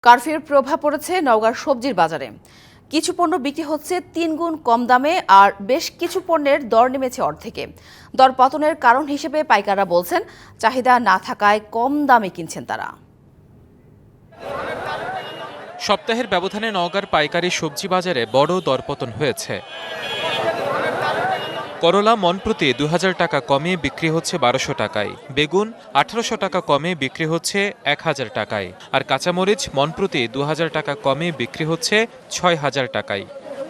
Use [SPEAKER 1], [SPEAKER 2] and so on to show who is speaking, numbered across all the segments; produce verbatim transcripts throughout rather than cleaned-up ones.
[SPEAKER 1] কারফিউর প্রভাব পড়েছে নওগাঁর সবজির বাজারে। কিছু পণ্য বিক্রি হচ্ছে তিন গুণ কম দামে, আর বেশ কিছু পণ্যের দর নেমেছে অর্ধেকে। দর পতনের কারণ হিসেবে পাইকাররা বলছেন, চাহিদা না থাকায় কম দামে কিনছেন তারা।
[SPEAKER 2] সপ্তাহের ব্যবধানে নওগাঁর পাইকারি সবজি বাজারে বড় দরপতন হয়েছে। করলা মন প্রতি দু হাজার টাকা কমে বিক্রি হচ্ছে বারোশো টাকায়, বেগুন আঠারোশো টাকা কমে বিক্রি হচ্ছে এক হাজার টাকায়, আর কাঁচামরিচ মন প্রতি দু হাজার টাকা কমে বিক্রি হচ্ছে ছয় হাজার টাকায়।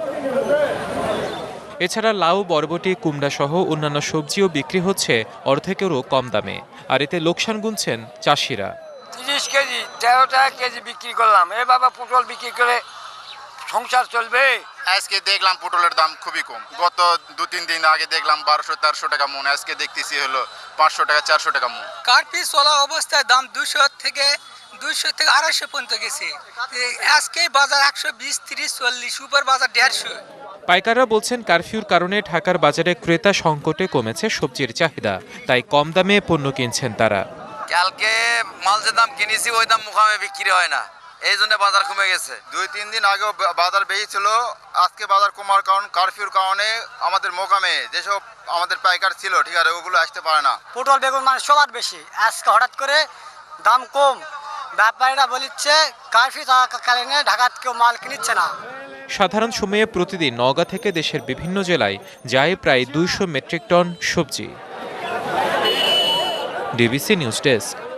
[SPEAKER 2] এছাড়া লাউ, বরবটি, কুমড়া সহ অন্যান্য সবজিও বিক্রি হচ্ছে অর্ধেকেরও কম দামে, আর এতে লোকসান গুনছেন চাষিরা।
[SPEAKER 3] তিরিশ কেজি তেরো টাকা কেজি বিক্রি করলাম, এ বাবা পটল বিক্রি করে সংসার চলবে?
[SPEAKER 4] আজকে দেখলাম পটলের দাম খুবই কম। গত দু তিন দিন আগে দেখলাম বারোশো তেরোশো টাকা মন, আজকে দেখতেছি হলো পাঁচশো টাকা চারশো টাকা মন।
[SPEAKER 5] কার্পি চলা অবস্থায় দাম দুশো থেকে দুইশো থেকে আড়াইশো পর্যন্ত গেছে। আজকে বাজার একশো বিশ তিরিশ চল্লিশ, উপর বাজার দেড়শো।
[SPEAKER 2] পাইকাররা বলছেন, কারফিউর কারণে ঢাকার বাজারে ক্রেতা সংকটে কমেছে সবজির চাহিদা, তাই কম দামে পণ্য কিনছেন তারা।
[SPEAKER 6] কালকে মাল যে দাম কিনেছি ওই দাম মুখামে বিক্রি হয় না, এই জন্য বাজার কমে গেছে।
[SPEAKER 4] দুই তিন দিন আগেও বাজার বেশি ছিল, আজকে বাজার কমার কারণ কারফিউর কারণে আমাদের মোকামে যেসব আমাদের পাইকার ছিল, ঠিক আছে, ওগুলো আসতে পারে না।
[SPEAKER 7] পটল বেগুন মানে সবার বেশি, আজকে হঠাৎ করে দাম কম। ব্যাপারীরা বলিচ্ছে কারফিউ থাকাকালীন ঢাকাত কেউ মাল কিনছে না।
[SPEAKER 2] সাধারণ সময়ে প্রতিদিন নওগাঁ থেকে দেশের বিভিন্ন জেলায় যায় প্রায় দুইশো মেট্রিক টন সবজি। DBC news desk.